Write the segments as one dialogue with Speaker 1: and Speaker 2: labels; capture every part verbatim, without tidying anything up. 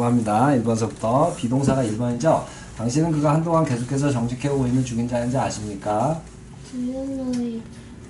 Speaker 1: 넘어갑니다. 일 번서부터 비동사가 일 번이죠. 당신은 그가 한동안 계속해서 정직해오고 있는 중인지 아닌지 아십니까?
Speaker 2: Do you know if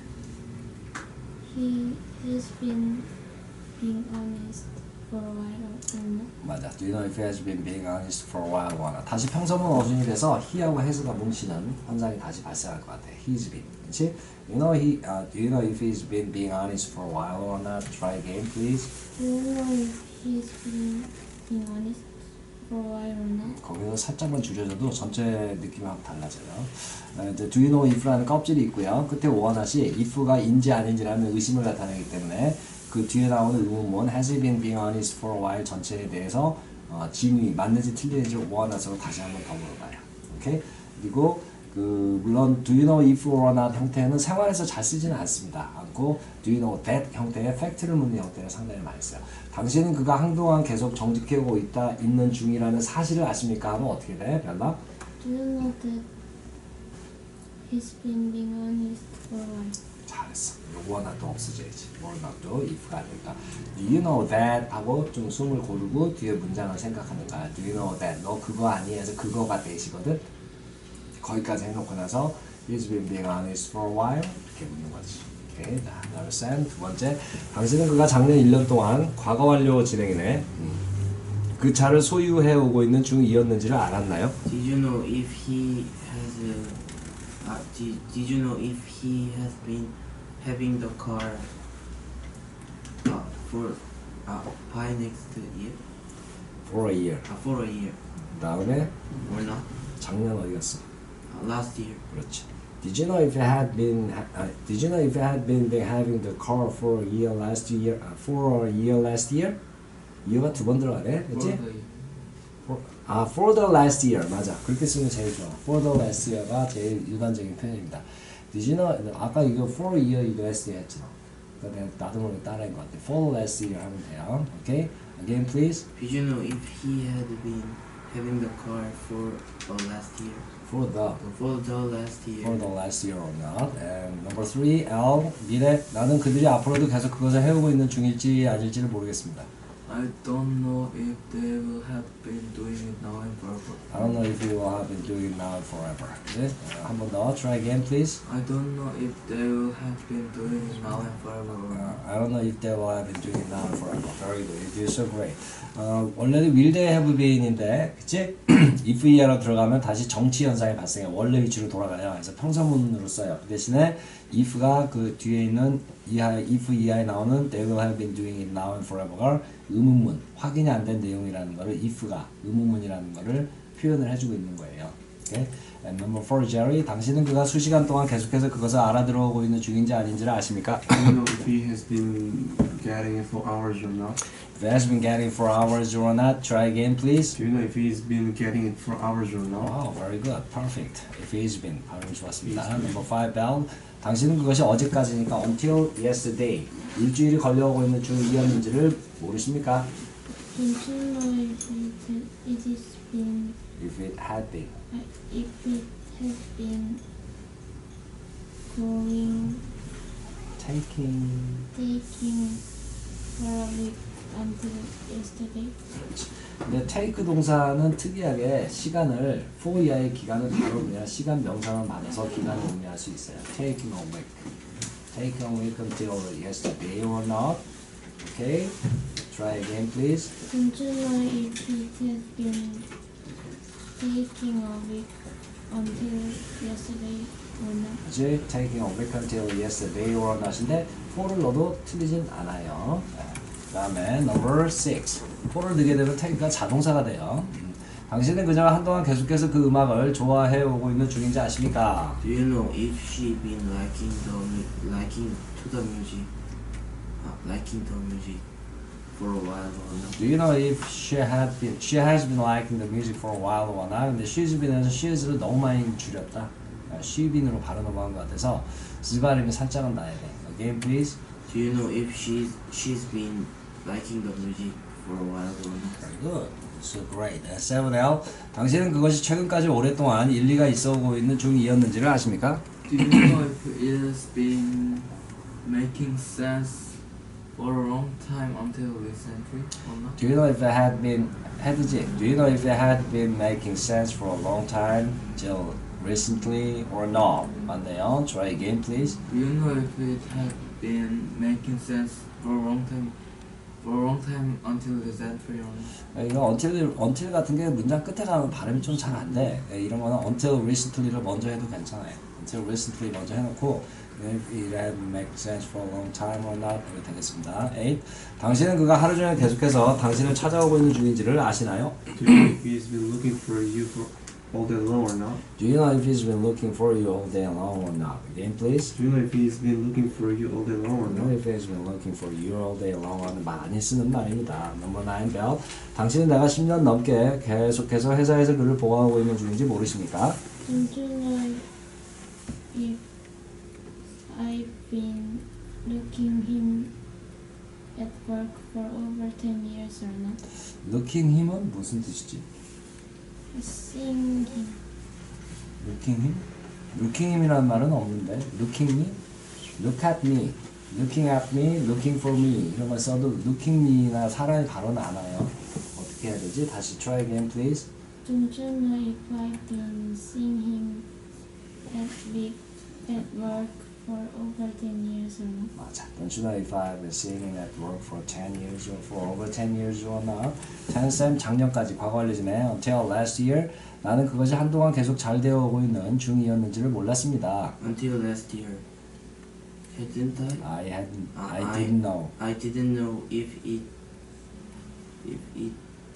Speaker 2: he has been being honest for a while or not?
Speaker 1: 맞아. Do you know if he has been being honest for a while or not? 다시 평서문 어순이 돼서 he하고 has가 뭉치는 현상이 다시 발생할 것 같아. He's been. 그렇지? You know he. Uh, do you know if he's been being honest for a while or not? Try again, please.
Speaker 2: Do you know if he's been being honest for a while or not?
Speaker 1: 거기서 살짝만 줄여줘도 전체 느낌이 확 달라져요. 어, 이제 do you know if라는 껍질이 있고요. 끝에 오원하시 if가 인지 아닌지라는 의심을 나타내기 때문에 그 뒤에 나오는 의문문 has he been being honest for a while 전체에 대해서 어, 진위 맞는지 틀리는지 오원하시로 다시 한번 더 물어봐요. 오케이? 그리고 그 물론 do you know if or not 형태는 생활에서 잘 쓰지는 않습니다. 않고 do you know that 형태의 팩트를 묻는 형태를 상당히 많이 써요. 당신은 그가 한동안 계속 정직해오고 있다 있는 중이라는 사실을 아십니까? 하면 어떻게 돼? 별나?
Speaker 2: Do you know that he's been being honest for a while?
Speaker 1: 잘했어. 요거 not 도 없어져야지. or not도 if가 아닐까. Do you know that 하고 좀 숨을 고르고 뒤에 문장을 생각하는 거야. Do you know that 너 그거 아니? 해서 그거가 대시거든. 거기까지 해놓고 나서 he's been being honest for a while 이렇게 묻는 거지. 오케이. 자, 그다음에 쌤 두 번째. 당신은 그가 작년 일 년 동안 과거 완료 진행이네. 음. 그 차를 소유해 오고 있는 중이었는지를 알았나요?
Speaker 3: Did you know if he has a, uh, did, did you know if he has been having the car uh, for uh, by next year?
Speaker 1: For a year.
Speaker 3: Uh, for a year
Speaker 1: 그다음에
Speaker 3: or not?
Speaker 1: 작년 어디 갔어?
Speaker 3: Uh, last year.
Speaker 1: 그렇지. Did you know if you had been uh, Did you know if you had been, been having the car for a year last year uh, for a year last year? year가 두 번 들어가네, 그렇지? For, 아, for the last year 맞아. 그렇게 쓰면 제일 좋아. For the last year가 제일 일반적인 표현입니다. Did you know 아까 이거 for a year 이거 last year 했잖아. 그러니까 내가 나도 모르게 따라한 것 같아. For the last year 하면 돼요. Okay? Again, please.
Speaker 3: Did you know if he had been having the car for uh, last year?
Speaker 1: For the
Speaker 3: For the last year.
Speaker 1: for the last year or not. And number three, L. 미래. 나는 그들이 앞으로도 계속 그것을 해오고 있는 중일지 아닐지를 모르겠습니다.
Speaker 4: I don't know if they will have been doing it now and forever.
Speaker 1: I don't know if you will have been doing it now and forever. 그치? 어, 한 번 더. Try again, please.
Speaker 4: I don't know if they will have been doing it now and forever or
Speaker 1: Uh,
Speaker 4: not.
Speaker 1: I don't know if they will have been doing it now and forever. Very good. You do so great. 어, 원래는 will they have been인데, 그치? if e로 들어가면 다시 정치 현상이 발생해. 원래 위치로 돌아가요. 그래서 평서문으로 써요. 그 대신에 if가 그 뒤에 있는 이하, if 이하에 나오는 they will have been doing it now and forever가 의문문, 확인이 안 된 내용이라는 거를 if가 의문문이라는 거를 표현을 해주고 있는 거예요. Okay? And number four, Jerry. 당신은 그가 수시간 동안 계속해서 그것을 알아들어오고 있는 중인지 아닌지를 아십니까?
Speaker 5: Do you know if he has been getting it for hours or not?
Speaker 1: If he has been getting for hours or not, try again, please.
Speaker 5: Do you know if he's been getting it for hours or not?
Speaker 1: Wow, very good. Perfect. If he's been. 발음 좋았습니다. Number five, Bell. 당신은 그것이 어제까지니까 until yesterday. 일주일이 걸려오고 있는 중이었는지를 모르십니까?
Speaker 2: Don't you know if it, it is been
Speaker 1: If it had been.
Speaker 2: uh, if it has been going
Speaker 1: Taking.
Speaker 2: taking for a week until yesterday?
Speaker 1: 근데 take 동사는 특이하게 시간을 for 이하의 기간을 바로 그냥 시간 명사만 받아서 기간을 의미할 수 있어요. Taking a week. Taking a week until yesterday or not. Okay? Try again, please.
Speaker 2: Don't you know if it has been taking a week until yesterday or not?
Speaker 1: 그치? Taking a week until yesterday or not인데 for를 넣어도 틀리진 않아요. 그 다음에 number six. for를 넣게 되면 take가 자동사가 돼요. 음. 당신은 그녀가 한동안 계속해서 그 음악을 좋아해 오고 있는 중인지 아십니까?
Speaker 3: Do you know if she been liking the mu- liking to the music, uh, liking the music for a while or not?
Speaker 1: Do you know if she had been, she has been liking the music for a while or not? 근데 she's been에서 she's를 너무 많이 줄였다. she been으로 바로 넘어간 것 같아서 즈발음이 살짝은 나야 돼. Again, please.
Speaker 3: Do you know if she's she's been liking the music for a while or not?
Speaker 1: Very good. So great. seven L. 당신은 그것이 최근까지 오랫동안 일리가 있어오고 있는 중이었는지를 아십니까?
Speaker 4: Do you know if it has been making sense for a long time until recently or not?
Speaker 1: Do you know if it had been had지? Do you know if it had been making sense for a long time till recently or not? 맞네요. Try again, please.
Speaker 4: Do you know if it had been making sense for a long time for a long time until recently or not?
Speaker 1: 이거 until, until 같은 게 문장 끝에 가면 발음이 좀 잘 안 돼. 이런 거는 until recently를 먼저 해도 괜찮아요. until recently 먼저 해놓고 if it had make sense for a long time or not 이렇게 되겠습니다. eight. 당신은 그가 하루 종일 계속해서 당신을 찾아오고 있는 중인지를 아시나요?
Speaker 5: Do you know if he's been looking for you for all day long or not?
Speaker 1: Do you know if he's been looking for you all day long or not? Again, please.
Speaker 5: Do you know if he's been looking for you all day long or
Speaker 1: Do you know
Speaker 5: not?
Speaker 1: if he's been looking for you all day long 하는 많이 쓰는 말입니다. Number nine, Bell. 당신은 내가 십 년 넘게 계속해서 회사에서 그를 보호하고 있는 중인지 모르십니까?
Speaker 2: Don't you know if I've been looking him at work for over ten years or not?
Speaker 1: Looking him은 무슨 뜻이지?
Speaker 2: Seeing him.
Speaker 1: Looking him? Looking him이라는 말은 없는데 Looking me? Look at me. Looking at me, looking for me 이런 걸 써도 looking me나 사람이 바로는 안 와요. 어떻게 해야 되지? 다시 try again, please.
Speaker 2: Don't you know if I've been seeing him at week at work for over ten years or not?
Speaker 1: 맞아. Don't you know if I've been seeing him at work for ten years or for over ten years or not? ten 쌤 작년까지 과거 완료지네. Until last year 나는 그것이 한동안 계속 잘 되어오고 있는 중이었는지를 몰랐습니다.
Speaker 3: Until last year. Hadn't I?
Speaker 1: I hadn't,
Speaker 3: 아,
Speaker 1: I
Speaker 3: I-
Speaker 1: didn't know.
Speaker 3: I didn't know if it if it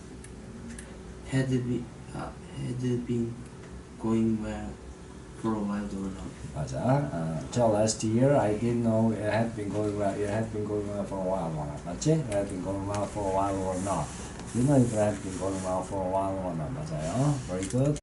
Speaker 3: had been uh, had been going well for a while or not.
Speaker 1: 맞아. Uh, until last year, I didn't know it had been going well. It had been going well for a while or not. 맞지? It had been going well for a while or not. You know if it had been going well for a while or not. 맞아요. Very good.